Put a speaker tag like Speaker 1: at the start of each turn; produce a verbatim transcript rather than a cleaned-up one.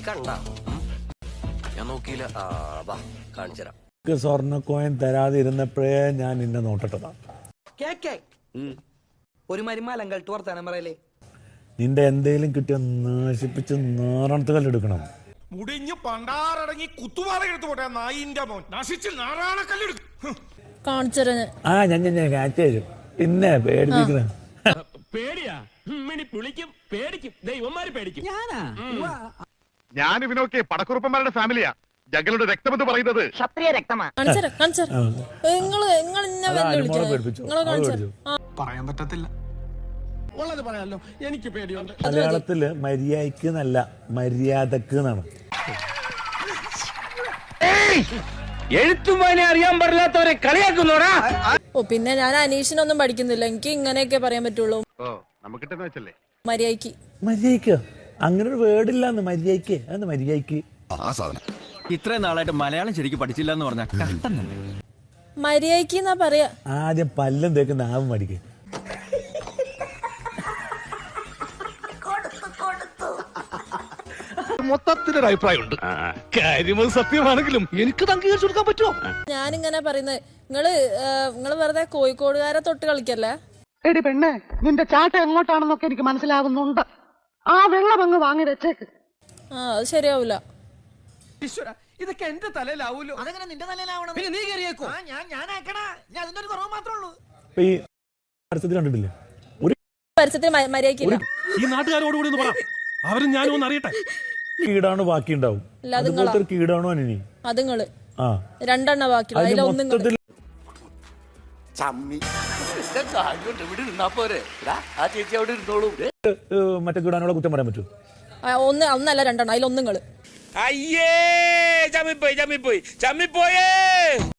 Speaker 1: കണ്ട ഞാൻ നോക്കിയില്ല. ആ വാ കാണിച്ചു തരാം.
Speaker 2: സ്വർണ്ണക്കോയൻ തരാതിരുന്നപ്പോഴേ ഞാൻ നിന്നെ നോട്ടിട്ടതാ.
Speaker 3: ഒരു മരുമാലങ്കൾ വർത്താനം പറയലേ.
Speaker 2: നിന്റെ എന്തേലും കിട്ടിയ നശിപ്പിച്ച് നാറാണത്ത് കല്ലെടുക്കണം.
Speaker 4: മുടിഞ്ഞു പണ്ടാറടങ്ങി കുത്തുപാറ എടുത്തു പോട്ടെ നായിന്റെ മോൻ നശിച്ച് നാറാണ കല്ലെടുക്കും.
Speaker 2: ആ ഞാൻ ഞാൻ കാറ്റ് തരും. പിന്നെ പേടിപ്പിക്കണ
Speaker 5: പേടിയാ പുളിക്കും പേടിക്കും ദൈവന്മാര് പേടിക്കും.
Speaker 6: ഞാൻ ഇവനൊക്കെ പടക്കുറുപ്പന്മാരുടെ ഫാമിലിയാ. ഞങ്ങളുടെ രക്തമെന്ന് പറയുന്നത് ക്ഷത്രിയ രക്തമാണ്.
Speaker 4: പറയാൻ പറ്റത്തില്ല. ഉള്ളത് പറയാലോ, എനിക്ക് പേടിയുണ്ട്.
Speaker 2: മലയാളത്തില് മര്യാദക്ക് എന്നല്ല മര്യാദക്ക് എന്നാണ്.
Speaker 5: എഴുത്തുമാനെ അറിയാൻ പാടില്ലാത്തവരെ കളിയാക്കുന്നോടാ.
Speaker 7: ഓ പിന്നെ ഞാൻ അനീഷിനൊന്നും പഠിക്കുന്നില്ല, എനിക്ക് ഇങ്ങനെയൊക്കെ പറയാൻ പറ്റുള്ളൂ. മര്യാദക്ക്
Speaker 2: മര്യാദക്ക് അങ്ങനെ ഒരു വേർഡില്ലാന്ന്. മര്യാദക്ക് അന്ന് മര്യാദക്ക്
Speaker 8: ഇത്രയും നാളായിട്ട് മലയാളം ശരിക്കും പഠിച്ചില്ല എന്ന് പറഞ്ഞാൽ
Speaker 7: മര്യാദക്ക് എന്നാ പറയാ.
Speaker 2: ആദ്യം പല്ലും തേക്കുന്ന ആവും മടിക്ക്.
Speaker 6: മൊത്തത്തിലൊരു അഭിപ്രായമുണ്ട്. കാര്യം സത്യമാണെങ്കിലും എനിക്ക് അംഗീകരിച്ചു കൊടുക്കാൻ പറ്റുമോ?
Speaker 7: ഞാനിങ്ങനെ പറയുന്നത് നിങ്ങള് നിങ്ങള് വെറുതെ കോഴിക്കോടുകാരെ തൊട്ട് കളിക്കല്ലേ.
Speaker 9: എടി പെണ്ണെ, നിന്റെ ചാട്ട എങ്ങോട്ടാണെന്നൊക്കെ എനിക്ക് മനസ്സിലാകുന്നുണ്ട്. ആ വെള്ളം അങ്ങ് വാങ്ങി വെച്ചേക്ക്.
Speaker 7: ആ അത് ശരിയാവൂല.
Speaker 3: ഇതൊക്കെ എന്റെ തലയിലാവൂലോ. അതെങ്ങനെ നിന്റെ തലയിലാവണം? പിന്നെ നീ കയറിയേക്കോ. ഞാൻ ഞാനാക്കണ ഞാൻ അതിന്റെ ഒരു കുറവ് മാത്രമേ ഉള്ളൂ.
Speaker 2: ഈ പരസ്യത്തിൽ കണ്ടിട്ടില്ലേ ഒരു
Speaker 7: പരസ്യത്തിൽ മര്യാദക്കില്ല.
Speaker 5: ഈ നാട്ടുകാരോടുകൂടി ഒന്ന് പറ, അവരും ഞാനും ഒന്ന് അറിയട്ടെ.
Speaker 2: കീടാണ് ബാക്കി ഉണ്ടാവും. അതുപോലത്തെ ഒരു കീടാണോ അനി
Speaker 7: അതുങ്ങള്
Speaker 2: ആ
Speaker 7: രണ്ടെണ്ണ ബാക്കി
Speaker 2: മൊത്തത്തിൽ
Speaker 1: ആ ചേച്ചി അവിടെ ഇരുന്നോളൂ.
Speaker 2: മറ്റേ കീടാനുള്ള കുറ്റം പറയാൻ പറ്റുമോ?
Speaker 7: ഒന്ന് ഒന്നല്ല രണ്ടെണ്ണം, അതിലൊന്നുങ്ങള്.
Speaker 5: അയ്യേ ചമ്മിപ്പോയി ചമ്മിപ്പോയി ചമ്മിപ്പോയേ.